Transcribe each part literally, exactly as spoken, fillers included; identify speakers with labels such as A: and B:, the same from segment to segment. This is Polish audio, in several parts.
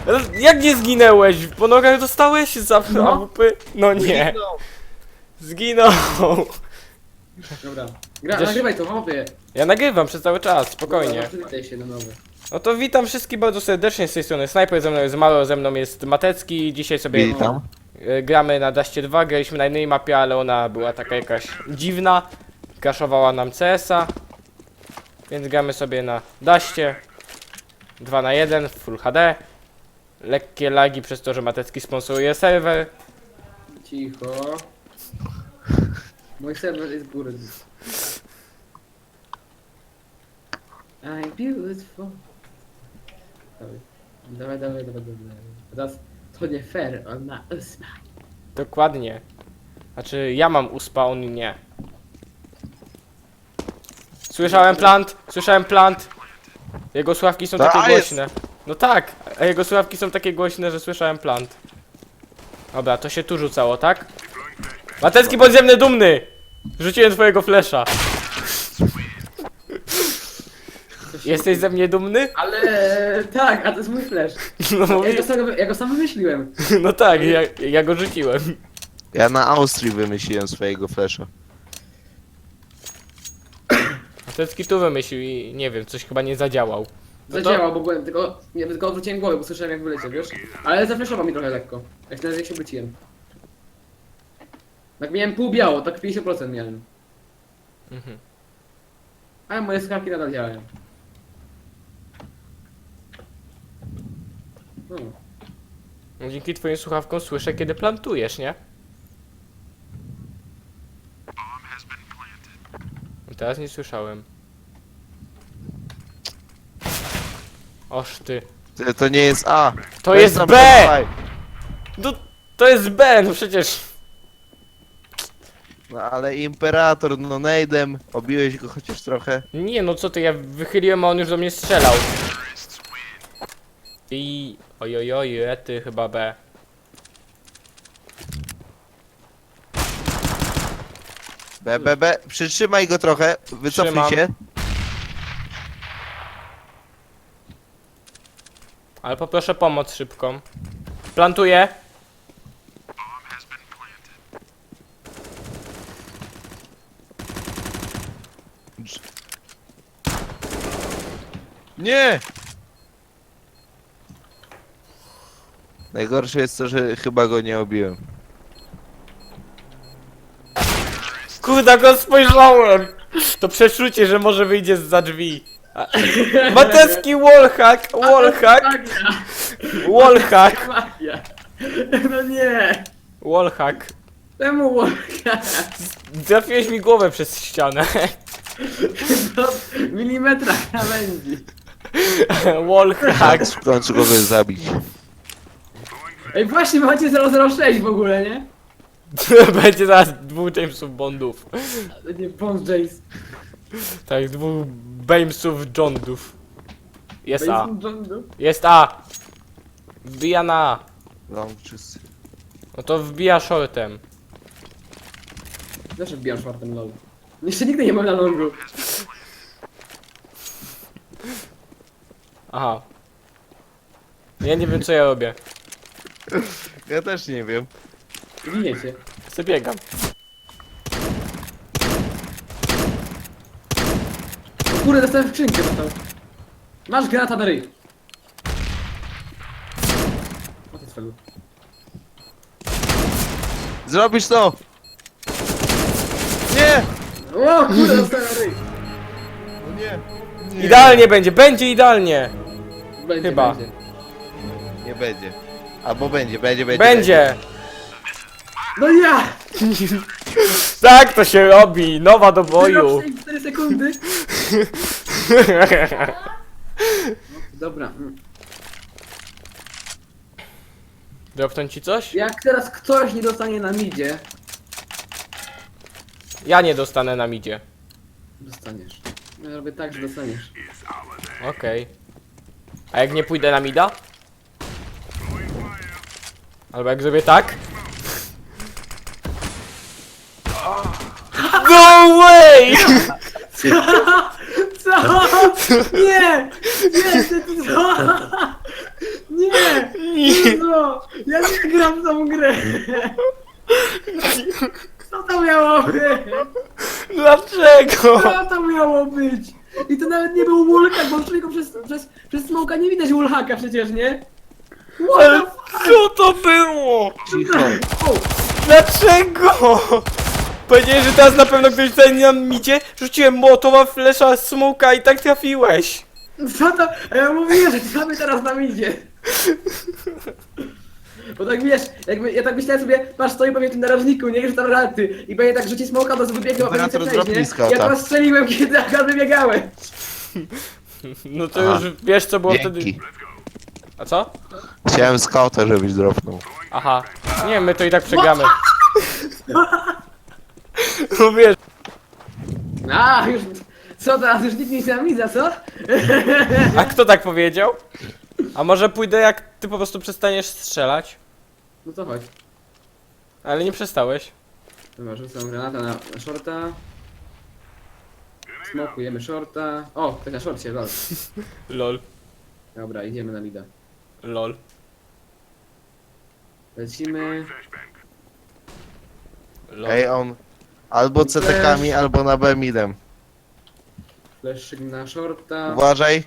A: Jak nie zginęłeś? Po nogach dostałeś za
B: No.
A: A W P? No nie. Zginął.
B: Dobra. Gra,
A: Chociaż-
B: nagrywaj to, chłopie.
A: Ja nagrywam przez cały czas, spokojnie.
B: Dobra, przywitaj się na nowy.
A: No to witam wszystkich bardzo serdecznie z tej strony Snajper, ze mną jest Malo, ze mną jest Matecki. Dzisiaj sobie
C: Witam.
A: e, gramy na Dustie dwa, graliśmy na innej mapie, ale ona była taka jakaś dziwna. Crashowała nam C S a. Więc gramy sobie na Dustie dwa na jeden w Full H D. Lekkie lagi przez to, że Matecki sponsoruje serwer.
B: Cicho. Mój serwer jest góry. I'm beautiful. Dawaj, dawaj, dawaj, dawaj, dawaj. Teraz to nie fair, on ma ósma.
A: Dokładnie. Znaczy ja mam uspa, on nie. Słyszałem plant, słyszałem plant. Jego sławki są
C: Ta
A: takie
C: jest.
A: głośne. No tak, a jego sławki są takie głośne, że słyszałem plant. Dobra, to się tu rzucało, tak? Matecki podziemny dumny! Rzuciłem twojego flesza. Jesteś ze mnie dumny?
B: Ale tak, a to jest mój flash.
A: No,
B: Ja
A: mówi,
B: go sam, ja go sam wymyśliłem.
A: no tak, ja, ja go rzuciłem.
C: Ja na Austrii wymyśliłem swojego flasha.
A: Matecki tu wymyślił i nie wiem, coś chyba nie zadziałał. No to-
B: Zadziałał, bo byłem, tylko, nie, tylko odwróciłem głowę, bo słyszałem jak wyleciał, wiesz? Ale zafreszował mi trochę lekko. Jak na razie się obróciłem. Tak miałem pół biało, tak pięćdziesiąt procent miałem.
A: Mhm.
B: Ale moje skawki nadal działają. No.
A: No, dzięki twoim słuchawkom słyszę, kiedy plantujesz, nie? Teraz nie słyszałem. Oż ty.
C: To, to nie jest A.
A: To jest
C: tam
A: B!
C: dawaj.
A: No, to jest B, no przecież.
C: No ale Imperator, no nejdem. Obiłeś go chociaż trochę.
A: Nie, no co ty, ja wychyliłem, a on już do mnie strzelał. I... Ojojoj, ty chyba B.
C: B, B, B. Przytrzymaj go trochę. Wycofnij
A: Trzymam.
C: się.
A: Ale poproszę pomoc szybką. Plantuję.
C: Nie! Najgorsze jest to, że chyba go nie obiłem.
A: Kurde, go spojrzałem! To przeczucie, że może wyjdzie za drzwi. A- Matecki wallhack, wallhack,
B: Magia!
A: wallhack,
B: Magia! No nie!
A: wallhack.
B: Czemu łapka?
A: Trafiłeś mi głowę przez ścianę.
B: Do milimetra krawędzi.
A: Wallhack.
C: Tak, w końcu kogoś zabić.
B: Ej, właśnie macie zero zero sześć w ogóle, nie?
A: Będzie zaraz dwóch Jamesów Bondów.
B: Nie, Bond Jace.
A: Tak, dwóch Jamesów Johndów. Jest A.
B: Jason Jondu.
A: Jest A. Wbija na A.
C: No, wszyscy.
A: No to wbija shortem.
B: Zawsze wbijam czwartym lol. Jeszcze nigdy nie mam na longu.
A: Aha. Ja nie wiem co ja robię.
C: Ja też nie wiem.
B: Giniecie.
A: Zabiegam.
B: O kurde, dostałem skrzynkę dostał. Masz granata na ryj. O ty swego.
C: Zrobisz to! Nie!
B: O kurde, dostałem na ryj.
C: No nie. nie.
A: Idealnie będzie, będzie idealnie.
B: Będzie,
A: Chyba.
B: Będzie.
C: Nie będzie. Albo będzie, będzie, będzie.
A: Będzie.
B: No ja!
A: Tak to się robi. Nowa do boju.
B: cztery sekundy. Dobra. mm.
A: Dropnąć ci coś?
B: Jak teraz ktoś nie dostanie na midzie,
A: Ja nie dostanę na midzie.
B: dostaniesz. Ja robię tak, że dostaniesz.
A: Okej. A jak nie pójdę na mida? Albo jak zrobię tak? Go away!
B: Co? Nie! Nie, ty, ty, co? Nie! Jezu, ja nie gram w tą grę. Co to miało być?
A: Dlaczego?
B: Co to miało być? I to nawet nie był wallhack, bo człowieku przez, przez, przez smoka nie widać wallhacka przecież, nie?
A: Ale
B: What
A: co to było?
C: Cicho.
B: the o,
A: Dlaczego? Powiedziałeś, że teraz na pewno ktoś tutaj nam idzie? Rzuciłem mołotowa, flesza, smoka i tak trafiłeś.
B: Co to? A ja mówiłem, że co my teraz nam idzie? Bo tak wiesz, jakby ja tak myślałem sobie, patrz, stoi pewnie w tym narożniku, nie, że tam raty i pewnie tak rzuci smoka, to wybiegł, a pewnie
C: Operator
B: chce przejść, nie?
C: zdrapniska,
B: Ja
C: tak.
B: teraz strzeliłem, kiedy akurat wybiegałem.
A: No to
C: Aha.
A: już wiesz co było wtedy.
C: Dzięki.
A: A co?
C: Chciałem skauta, żebyś dropnął.
A: Aha. Nie, my to i tak przegramy. No wiesz.
B: A, już, co teraz, już nikt nie się co?
A: A kto tak powiedział? A może pójdę jak ty po prostu przestaniesz strzelać?
B: No to chodź.
A: Ale nie przestałeś.
B: Dobra, rzucam granatę na, na shorta. Smokujemy shorta. O, ktoś na shorcie, lol.
A: Lol.
B: Dobra, idziemy na mida.
A: Lol.
B: Lecimy.
A: Lol.
C: Ej, on albo C T kami, albo na B midem.
B: Fleszyk na shorta.
C: Uważaj.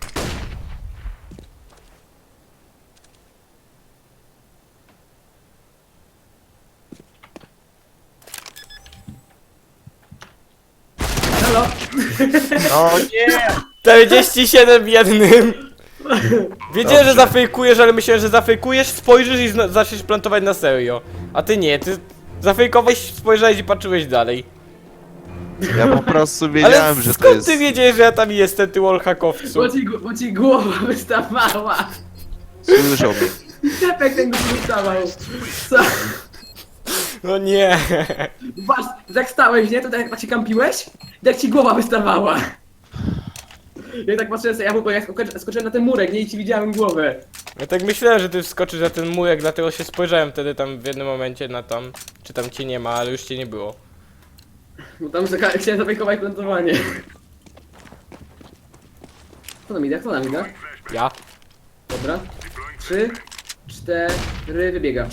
B: Halo!
C: No nie!
A: czterdzieści siedem w jednym. Wiedziałem, że zafejkujesz, ale myślałem, że zafejkujesz, spojrzysz i zna- zaczniesz plantować na serio. A ty nie, ty zafejkowałeś, spojrzałeś i patrzyłeś dalej.
C: Ja po prostu
A: Ale
C: wiedziałem, że to
A: skąd
C: jest...
A: ty wiedziałeś, że ja tam jestem, ty wallhackowcu?
B: Bo ci, bo ci głowa wystawała!
C: Słyszał mnie.
B: Tepek ten go wystawał! Co?
A: No nie.
B: Patrz, jak stałeś, nie? To tak jak się kampiłeś? Jak ci głowa wystawała! Ja tak patrzyłem sobie, ja mówię, jak skoczy- skoczyłem na ten murek, nie? I ci widziałem głowę.
A: Ja tak myślałem, że ty wskoczysz na ten murek, dlatego się spojrzałem wtedy tam w jednym momencie na tam, czy tam cię nie ma, ale już cię nie było.
B: Bo tam zaka- chciałem zabejkować plantowanie. Kto na midach? Kto na midach?
A: Ja?
B: Dobra. Trzy, cztery, wybiega.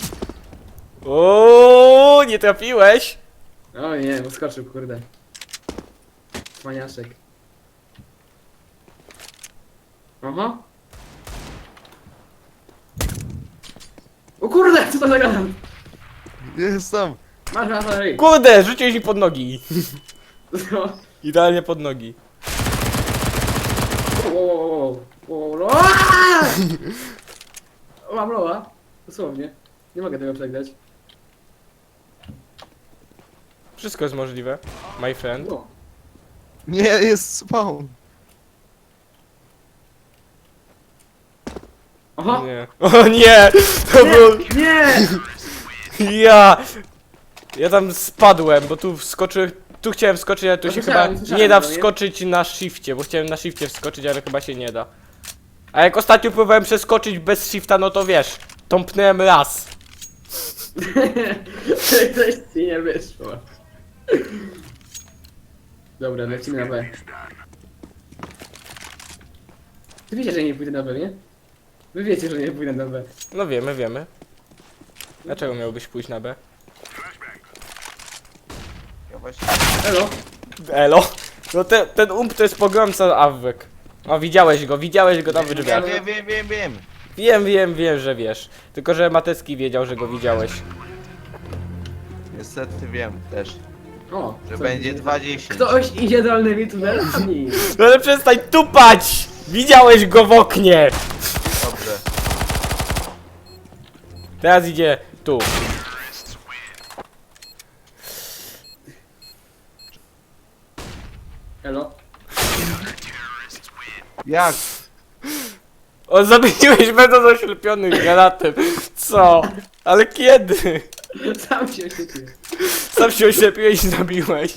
A: O, nie trafiłeś?
B: O nie, uskoczył, kurde. Cwaniaszek. Aha. O kurde, co to za granat?
C: Jestem.
B: Masz granat na ryj.
A: Kurde, rzuciłeś mi pod nogi.
B: No.
A: Idealnie pod nogi.
B: Wow, wow, wow, wow, wow, wow. Aaaa! O, mam loa. Dosłownie. Nie mogę tego przegrać.
A: Wszystko jest możliwe, my friend.
B: No.
C: Nie, jest spawn.
B: Aha!
A: Nie. O nie! To był...
B: Nie!
A: Ja! Ja tam spadłem, bo tu wskoczyłem... Tu chciałem wskoczyć, ale tu
B: No
A: się
B: słyszałem,
A: chyba
B: słyszałem
A: nie da
B: to, nie?
A: wskoczyć na shifcie, bo chciałem na shifcie wskoczyć, ale chyba się nie da. A jak ostatnio próbowałem przeskoczyć bez shifta, no to wiesz, tąpnąłem raz.
B: Coś ci nie wyszło. Dobra, lecimy na B. Ty wiecie, że nie pójdę na B, nie? Wy wiecie, że nie pójdę na B.
A: No wiemy, wiemy. Dlaczego miałbyś pójść na B?
C: Ja właśnie...
B: Elo!
A: Elo? No te, ten ump to jest pogromca Awek. O, widziałeś go, widziałeś go tam w
C: Ja
A: drzwiach.
C: wiem, wiem, wiem, wiem.
A: Wiem, wiem, wiem, że wiesz. Tylko, że Matecki wiedział, że go widziałeś.
C: Niestety wiem też,
B: O!
C: że
B: co
C: będzie
B: idzie?
C: dwadzieścia.
B: Ktoś idzie dolnymi tunelami!
A: No ale przestań tupać! Widziałeś go w oknie!
C: Dobrze.
A: Teraz idzie tu.
B: Elo?
C: Jak?
A: O, zamieniłeś będąc oślepiony granatem. Co? Ale kiedy?
B: Sam się oświetlił.
A: Sam się oślepiłeś i zabiłeś.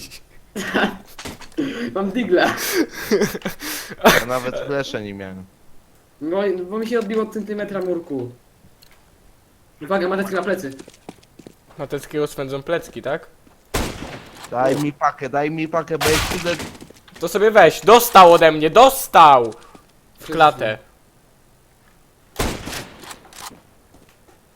B: Mam digla.
C: Ja nawet flesze nie miałem.
B: No, bo mi się odbiło od centymetra murku. Uwaga, matecki na plecy.
A: Mateckiego swędzą plecki, tak?
C: Daj mi pakę, daj mi pakę, bo jak idę...
A: To sobie weź. Dostał ode mnie, dostał! W klatę.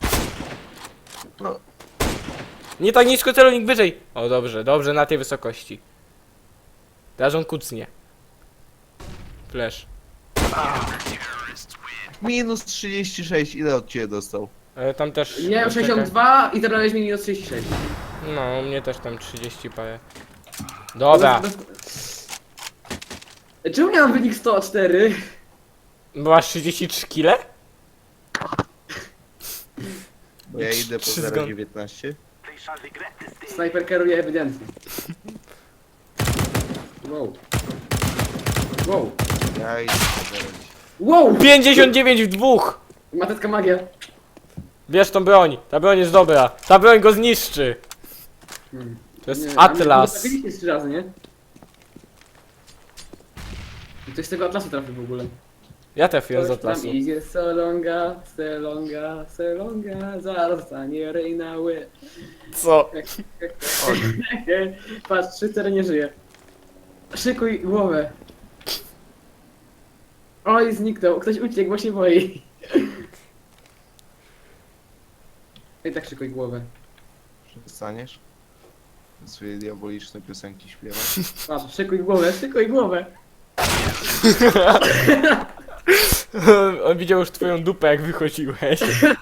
C: No.
A: Nie tak nisko, celownik wyżej. O, dobrze, dobrze, na tej wysokości. Teraz on kucnie. Flash.
C: Minus trzydzieści sześć, ile od ciebie dostał?
A: Ale tam też...
B: Nie,
A: czekaj.
B: sześćdziesiąt dwa i zabrałeś mi minus trzydzieści sześć.
A: No, u mnie też tam trzydzieści parę. Dobra.
B: Czemu ja mam wynik sto cztery?
A: Byłaś trzydzieści trzy kile?
C: Bo ja idę po
A: Trzy
C: zero
A: zgon-
C: dziewiętnaście.
B: Snajper kieruje ewidentnie. Wow. Wow.
C: Ja idę po zero.
B: Wow!
A: pięćdziesiąt dziewięć w dwóch!
B: Matecka magia.
A: Bierz tą broń, ta broń jest dobra. Ta broń go zniszczy.
B: Hmm.
A: To jest
B: Nie, a mnie
A: Atlas.
B: trafiliście trzy razy, nie? I ktoś z tego Atlasu trafił w ogóle.
A: Ja trafiłem z
B: Ktoś tam
A: Atlasu.
B: idzie Solonga, Selonga, Selonga, zaraz stanie Reina Ły.
A: Co?
B: Patrz, trzy cztery nie żyje. Szykuj głowę. Oj, zniknął. Ktoś uciekł, bo się boi. I tak szykuj głowę.
C: Przestaniesz? Swoje diaboliczne piosenki śpiewać?
B: Patrz, szykuj głowę, szykuj głowę.
A: On widział już twoją dupę, jak wychodziłeś.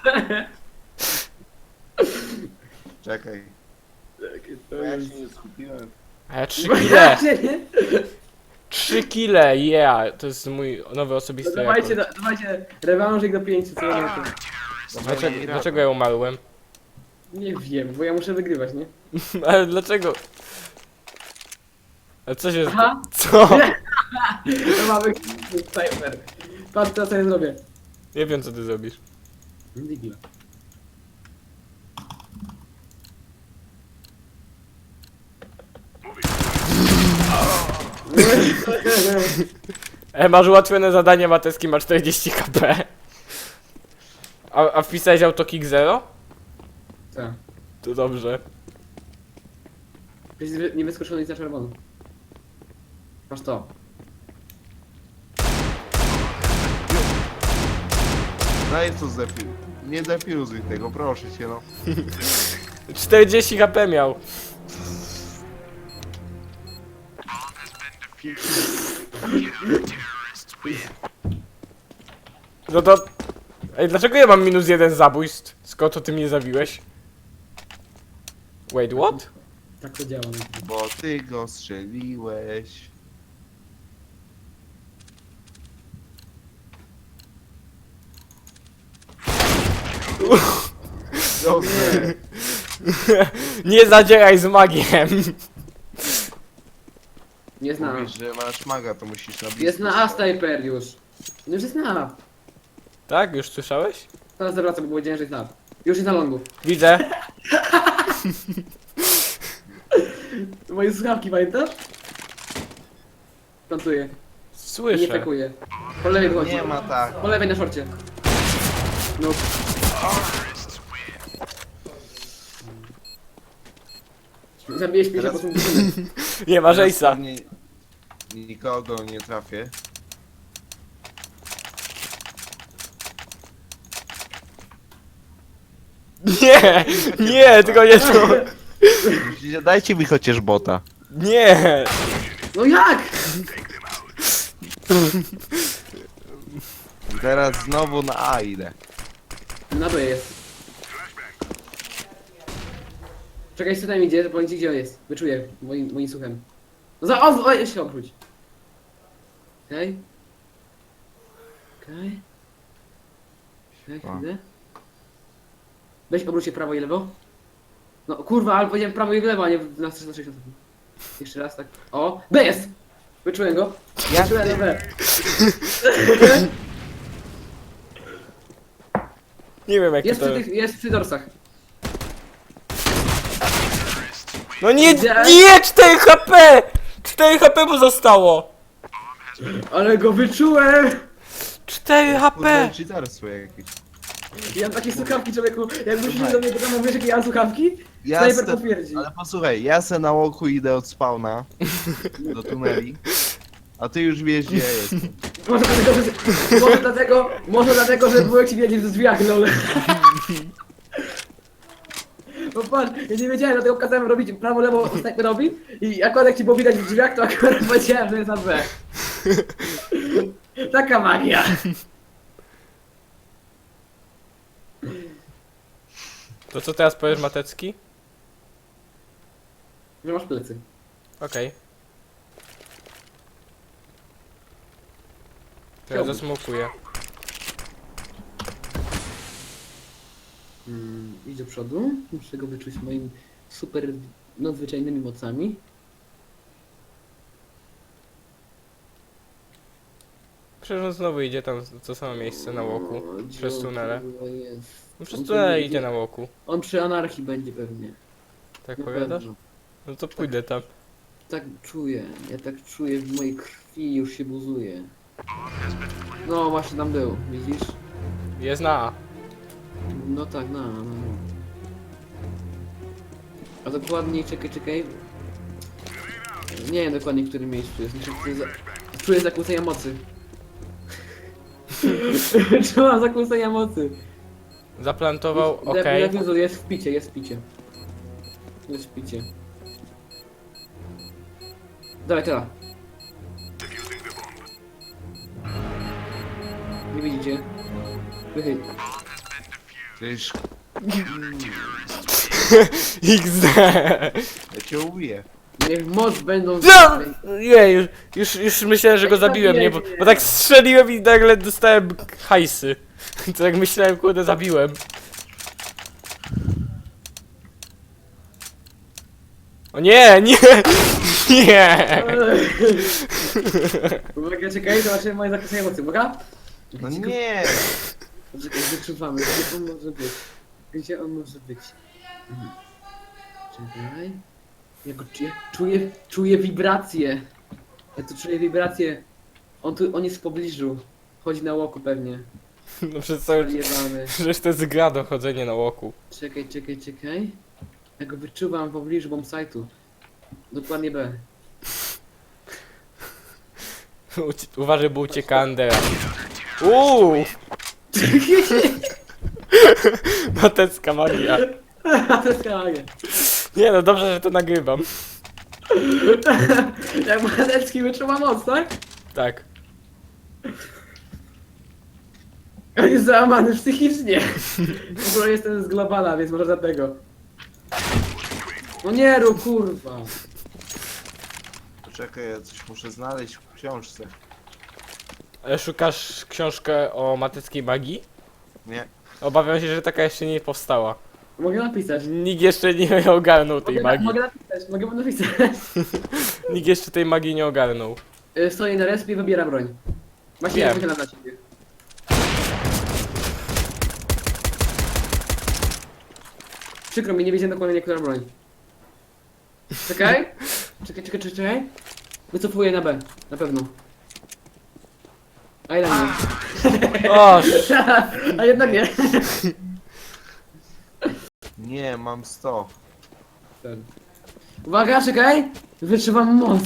C: Czekaj.
B: Takie to
C: Bo ja
B: jest.
C: się nie skupiłem.
A: A ja trzy kile.
B: Właśnie, nie?
A: trzy kile, yeah. To jest mój nowy
B: No
A: osobisty
B: dawajcie,
A: rekord.
B: da- dawajcie rewanżyk do pięciu, co ja nie
A: Dlaczego, dlaczego ja umarłem?
B: Nie wiem, bo ja muszę wygrywać, nie?
A: Ale dlaczego? A co się...
B: Aha.
A: Co?
B: To mamy snajper. Patrz, co ja zrobię.
A: Nie wiem, co ty zrobisz.
B: Digla.
A: E, masz ułatwione zadanie, Mateski ma czterdzieści HP. A, a wpisałeś autokick zero?
B: Co?
A: To dobrze.
B: Jesteś nie wyskoczony nic na czerwono. Masz to.
C: Daj to zdefił. Nie defiuzuj tego, proszę cię no.
A: czterdzieści HP miał. No to... Ej, dlaczego ja mam minus jeden zabójstw? Skąd to ty mnie zabiłeś? Wait, what?
B: Tak to działa.
C: Bo ty go strzeliłeś. Dobrze.
A: Nie zadzieraj z magiem.
B: Jest na A.
C: Mówisz, że masz maga, to musisz na blisko.
B: Jest na A snajper już. No już jest na A.
A: Tak? Już słyszałeś?
B: Teraz zawracam, bo powiedziałem, że jest na A. Już jest na longu.
A: Widzę.
B: Moje słuchawki, pamiętasz? Plantuję. Nie
A: Słyszę.
B: pekuję. Po lewej wychodzi.
C: Nie ma tak.
B: Po lewej na szorcie. No. Zabiłeś mnie,
C: Teraz-
B: po prostu...
A: Nie ma
C: Teraz
A: Jace'a.
C: pewnie Nikogo nie trafię.
A: Nie! Nie, tylko nie to.
C: Musicie- Dajcie mi chociaż bota.
A: Nie!
B: No jak?
C: Teraz znowu na A idę.
B: Na B jest. Czekaj, co tam idzie, bo gdzie gdzie on jest. Wyczuję moim, moim słuchem. No za... O, o, się obróć. Okej. Okej. Okej,
C: O.
B: chwilę. Weź obróć się prawo i lewo. No kurwa, ale powiedziałem prawo i lewo, a nie na trzysta sześćdziesiąt. Jeszcze raz tak. O! B jest! Wyczułem go.
C: Ja-
B: Wyczułem na B.
A: Nie wiem jak
B: Jest
A: to...
B: przy tych, jest przy dorsach.
A: No nie,
B: Widziałeś?
A: nie! cztery HP! cztery HP mu zostało!
B: Ale go wyczułem!
A: cztery HP!
C: Kurde, cheaterstwo jakieś.
B: Ja mam takie słuchawki, człowieku. Jakbyś
C: Słuchaj.
B: do mnie do mówisz, jakie ja mam słuchawki?
C: Ja
B: Snajper
C: se-
B: potwierdzi.
C: Ale posłuchaj, ja se na łoku idę od spawna do tuneli, a ty już wiesz gdzie ja jestem.
B: Może dlatego, że... Może dlatego, może dlatego, że byłem ci wiedzieć w drzwiach, lol. Bo patrz, ja nie wiedziałem, dlatego kazałem robić prawo, lewo, snajperowi i akurat jak ci było widać w drzwiach, to akurat powiedziałem, że jest na B. Taka magia.
A: To co teraz powiesz, Matecki?
B: Nie masz plecy.
A: Okej. To ja
B: Chciałbym.
A: zasmokuję.
B: Mm, idź do przodu, muszę go wyczuć moimi super nadzwyczajnymi mocami.
A: Przecież on znowu idzie tam w to samo miejsce na łoku.
B: O,
A: Przez
B: gdzie
A: tunele.
B: on kurwa jest?
A: No przez
B: On
A: tunele
B: pewnie
A: idzie na łoku.
B: On przy anarchii będzie pewnie.
A: Tak
B: Na
A: powiadasz?
B: pewno.
A: No to pójdę tam.
B: Tak czuję, ja tak czuję, w mojej krwi już się buzuje. No właśnie tam był, widzisz?
A: Jest na A.
B: No tak, no, no, no. A dokładniej, czekaj, czekaj. Nie wiem dokładnie w którym miejscu jest. Znaczy, czuję, za... czuję zakłócenia mocy. Czułam zakłócenia mocy.
A: Zaplantował,
B: Jest-
A: okej.
B: Defuzu, jest w picie, jest w picie. Jest w picie. Dawaj, teraz. Nie widzicie? Wychyl.
C: Przecież
A: iks de.
C: ja cię ubiję.
B: Niech moc będą...
A: No! Nie, już, już, już myślałem, że go zabiłem, nie? Bo, bo tak strzeliłem i nagle dostałem hajsy. To jak myślałem, kurde, zabiłem. O nie, nie, nie.
B: Uwaga, czekaj, zobaczymy moje zakłócenia mocy, uwaga?
C: No nie!
B: Czekaj, wyczuwamy, gdzie on może być? Gdzie on może być? Mhm. Czekaj. Ja go czuję, czuję, czuję wibracje. Ja tu czuję wibracje. On tu, on jest w pobliżu. Chodzi na łoku pewnie.
A: No przez cały...
B: Jebany.
A: Przecież to jest gra do chodzenia na łoku.
B: Czekaj, czekaj, czekaj. Ja go wyczuwam w pobliżu bombsite'u. Dokładnie B.
A: Ucie- Uważaj, bo ucieka Andera. Uuu! Matecka magia.
B: To jest kamagie.
A: Nie no, dobrze, że to nagrywam.
B: Jak Manecki wyczuwa moc, tak?
A: Tak.
B: On jest załamany psychicznie. W ogóle jestem z globala, więc może dlatego. No nie rób, kurwa.
C: Poczekaj, ja coś muszę znaleźć w książce.
A: Ale szukasz książkę o mateckiej magii?
C: Nie.
A: Obawiam się, że taka jeszcze nie powstała.
B: Mogę napisać.
A: Nikt jeszcze nie ogarnął tej
B: Mogę, na,
A: magii.
B: mogę napisać, mogę napisać.
A: Nikt jeszcze tej magii nie ogarnął.
B: Y, Stoję na respie i wybieram broń. Właśnie
A: Wiem.
B: ja wychylam na ciebie. Przykro mi, nie wiedziałem dokładnie, która broń. Czekaj. Czekaj, czekaj, czekaj, czekaj. Wycofuję na B, na pewno. A jednak nie.
A: O,
B: A jednak nie.
C: Nie, mam sto.
B: Uwaga, czekaj! Wyczuwam moc.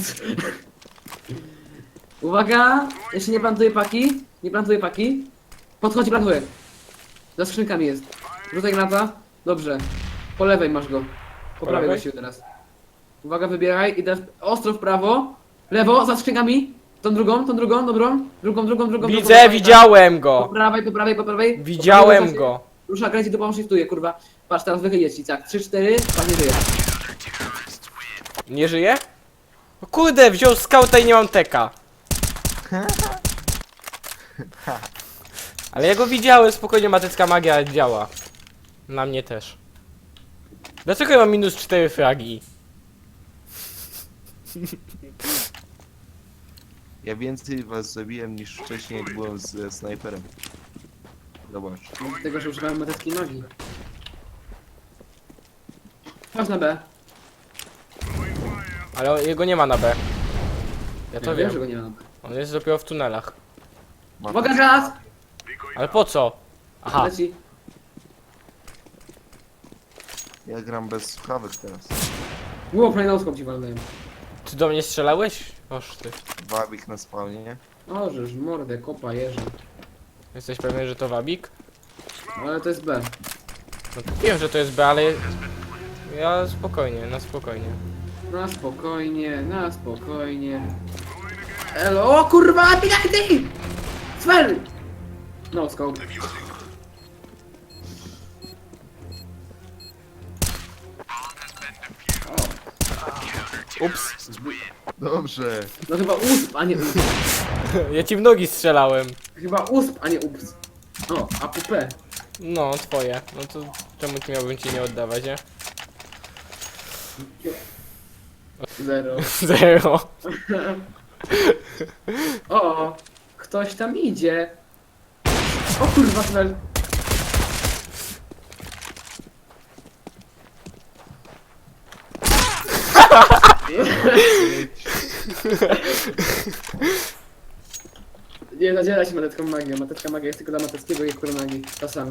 B: Uwaga! Jeszcze nie plantuję paki. Nie plantuję paki. Podchodzi, plantuję. Za skrzynkami jest. Rzucaj granata. Dobrze. Po lewej masz go. Po
A: Po
B: prawej
A: lewej?
B: właściwie teraz. Uwaga, wybieraj. I teraz ostro w prawo. Lewo, za skrzynkami. Tą drugą, tą drugą, dobrą. Drugą, drugą, drugą.
A: widzę,
B: drugą,
A: widziałem
B: Po
A: go.
B: prawej, po prawej, po prawej. Po
A: Widziałem
B: prawej,
A: go.
B: Rusza, kręci, dupą shiftuje, kurwa. Patrz, teraz wychylić ci, tak. trzy, cztery, pan nie żyje.
A: Nie żyje? O kurde, wziął skauta i nie mam teka. Ale ja go widziałem, spokojnie, matecka magia działa. Na mnie też. Dlaczego ja mam minus cztery fragi?
C: Ja więcej was zabiłem niż wcześniej, jak byłem z e, snajperem. Zobacz.
B: Dlatego, że używałem mateckiej magii. Chodź na B.
A: Ale jego nie ma na B. Ja to
B: Ja
A: wiem.
B: że go nie ma na B.
A: On jest dopiero w tunelach.
C: Mam-
B: Uwaga, gaz!
A: Ale po co? Aha.
B: Leci.
C: Ja gram bez słuchawek teraz.
B: Było kolejną ci walnąłem.
A: Ty do mnie strzelałeś? Oż ty.
C: Wabik na spawnie, nie?
B: O, żeż mordę, kopa, jeża.
A: Jesteś pewien, że to wabik?
B: Ale to jest B.
A: No wiem, że to jest B, ale Ja spokojnie, na spokojnie.
B: Na spokojnie, na spokojnie. Elo, o kurwa, biegaj ty! Svel! No scope.
A: Ups.
C: Dobrze.
B: No chyba usp, a nie ups.
A: Ja ci w nogi strzelałem.
B: Chyba usp, a nie ups. O, A P P.
A: No, twoje. No to czemu ci miałbym ci nie oddawać, nie?
B: Zero.
A: Zero.
B: O, ktoś tam idzie. O kurwa, Svel. Nie zadziela się matecką magią. Matecka magia jest tylko dla Mateckiego i Kuronagi. Czasami.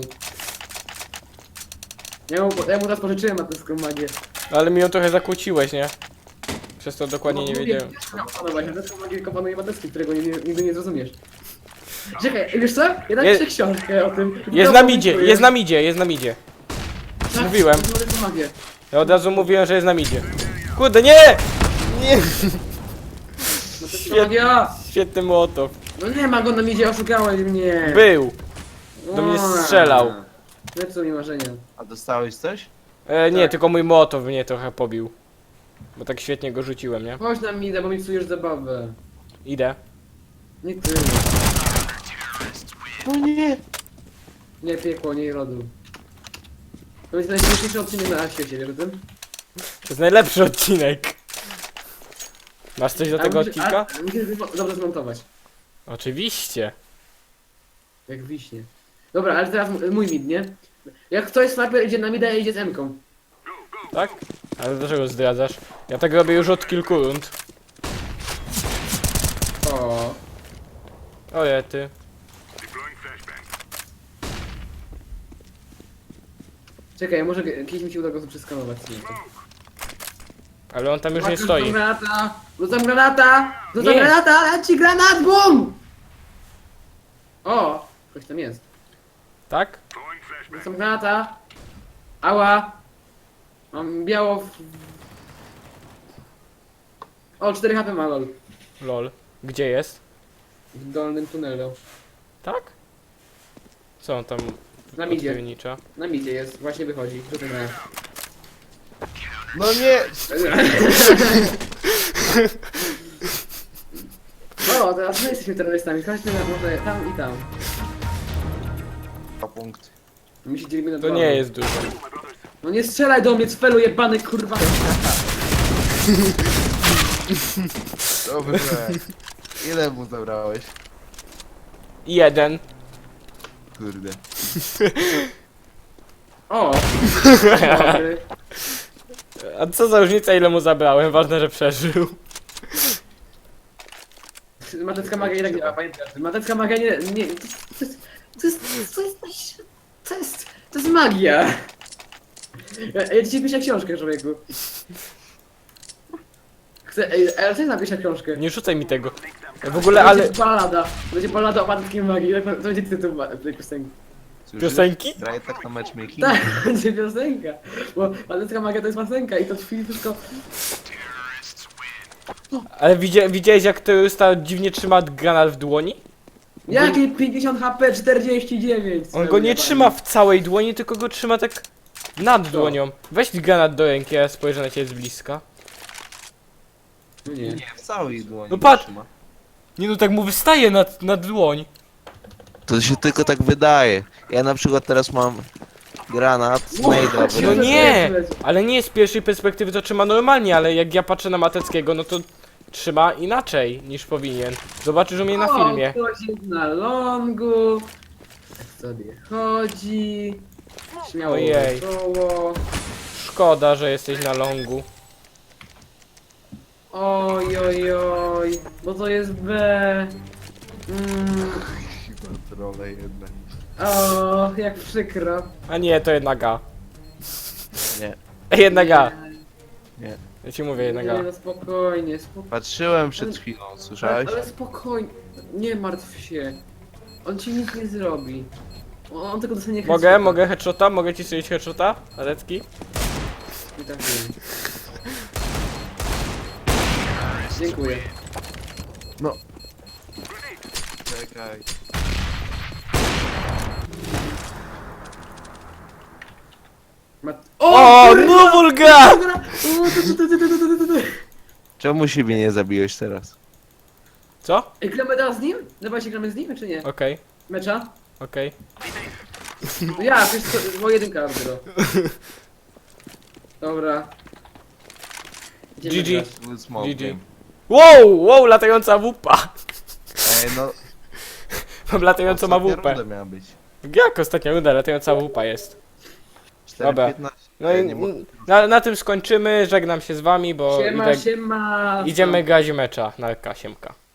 B: Ja mu, ja mu teraz pożyczyłem matecką magię.
A: Ale mi ją trochę zakłóciłeś, nie? Przez to dokładnie
B: No,
A: nie
B: mówię,
A: wiedziałem.
B: opanować matecką magię, tylko panuje Matecki, którego nie, nie, nigdy nie zrozumiesz. Czekaj, wiesz co? Ja
A: Je-
B: napiszę książkę o tym.
A: Jest na midzie, jest na midzie, jest na midzie.
B: Tak,
A: mówiłem.
B: matecką magię.
A: Ja od razu mówiłem, że jest na midzie. Kurde, nie! Nie!
B: Matecka magia!
A: Świetny mołotow.
B: No nie ma go na midzie, oszukałeś mnie.
A: Był! do mnie
B: O,
A: strzelał.
B: Zepsuł mi marzenia.
C: A dostałeś coś?
A: E, nie,
B: Tak.
A: tylko mój mołotow mnie trochę pobił. Bo tak świetnie go rzuciłem, nie?
B: Chodź na midę, bo mi psujesz zabawę.
A: Idę.
B: Nie ty.
C: No nie.
B: Nie piekło, nie rodu. To będzie najśmieszniejszy odcinek na świecie, wiesz o tym?
A: To jest najlepszy odcinek. Masz coś do
B: A
A: tego
B: musisz-
A: odcinka?
B: a- Musisz go dobrze zmontować.
A: Oczywiście.
B: Jak wiśnie. Dobra, ale teraz m- mój mid, nie? Jak ktoś sniper idzie na mida, idzie z M-ką.
A: Tak? Ale dlaczego zdradzasz? Ja tak robię już od kilku rund.
B: O.
A: Oje, ty.
B: Czekaj, może g- kiedyś mi się uda go przeskanować. Nie, to-
A: Ale on tam już nie
B: Rzucam
A: stoi.
B: granata! Rzucam granata! Rzucam
A: Nie.
B: granata! Leci granat! BUM! O! Ktoś tam jest.
A: Tak?
B: Rzucam granata! Ała! Mam biało w... O, cztery H P ma lol.
A: Lol. Gdzie jest?
B: W dolnym tunelu.
A: Tak? Co on tam
B: Na midzie.
A: odpiernicza?
B: Na midzie jest, właśnie wychodzi. Rzucam granat.
C: No nie.
B: O, teraz my jesteśmy terrorystami. Chodźmy na może tam i tam.
C: Dwa punkty.
B: My się dzielimy na
A: To
B: dwa.
A: nie jest dużo.
B: No nie strzelaj do mnie, cfelu jebany, kurwa.
C: Dobrze. Ile mu zabrałeś?
A: Jeden.
C: Kurde.
B: O! Dobry.
A: A co za różnica ile mu zabrałem? Ważne, że przeżył.
B: Matecka magia i tak działa, pamiętaj. Matecka magia nie... nie to, to, jest, to jest... To jest... To jest... To jest magia! Ja, ja dzisiaj piszę książkę, człowieku. Chcę... Ej, ale chcę napisać książkę.
A: Nie rzucaj mi tego. W ogóle, ale...
B: Będzie balada. Będzie balada o mateckiej magii. To to będzie tytuł ma- tej piosenki.
C: Słyszysz?
A: Piosenki?
C: Graje tak na matchmaking?
B: Tak, będzie piosenka. Bo matecka magia to jest piosenka i to chwili wszystko...
A: Ale widzia, widziałeś jak terrorysta dziwnie trzyma granat w dłoni?
B: Jakie pięćdziesiąt H P, czterdzieści dziewięć?
A: On go nie trzyma w całej dłoni, tylko go trzyma tak nad dłonią. Weź granat do ręki, ja spojrzę na ciebie z bliska.
B: No nie.
C: Nie, w całej dłoni.
A: No patrz.
C: trzyma.
A: Nie no, tak mu wystaje nad, nad dłoń.
C: To się tylko tak wydaje. Ja na przykład teraz mam granat z Maida w
A: No
C: ręce.
A: nie! Ale nie z pierwszej perspektywy to trzyma normalnie, ale jak ja patrzę na Mateckiego, no to trzyma inaczej niż powinien. Zobaczysz u mnie na filmie.
B: O, ktoś jest na longu. Tak sobie chodzi. Śmiało
A: Ojej.
B: wesoło.
A: Szkoda, że jesteś na longu.
B: Oj, oj, oj. Bo to jest B. Mm.
C: Trole jednak.
B: O, jak przykro.
A: A nie, to jednak A.
C: Nie,
A: Jednak A.
C: nie.
A: Ja ci mówię jednak
B: Nie,
A: A.
B: no spokojnie, spokojnie.
C: Patrzyłem przed chwilą, słyszałeś?
B: Ale spokojnie. Nie martw się. On ci nic nie zrobi. On, on tylko dostanie
A: Mogę,
B: headshota.
A: mogę headshota? Mogę ci strzelić headshota? Arecki?
B: Nie trafiłem. Dziękuję.
C: No. Czekaj.
B: Mat...
A: O,
B: kurwa!
A: no Wulga!
B: O, tu, tu, tu, tu, tu, tu, tu, tu.
C: Czemu siebie nie zabiłeś teraz?
A: Co?
B: Ej, gramy teraz z nim? Dawaj się gramy z nim, czy nie?
A: Okej,
B: Mecza?
A: okej.
B: No ja, wiesz co, bo jedynka dopiero. Dobra. Idziemy
A: G G.
B: grać.
C: Full smoke
A: G G.
C: game.
A: Wow, wow, latająca wupa.
C: Ej, no.
A: Mam latającą ma
C: ostatnia
A: wupę.
C: runda miała być.
A: Jak ostatnia runda, latająca wupa jest.
C: cztery
A: Dobra.
C: piętnaście.
A: No
C: Ej,
A: i
C: nie mogę.
A: na, na tym skończymy, żegnam się z wami, bo
B: Siema,
A: idę,
B: siema.
A: idziemy grać mecza na K osiem K.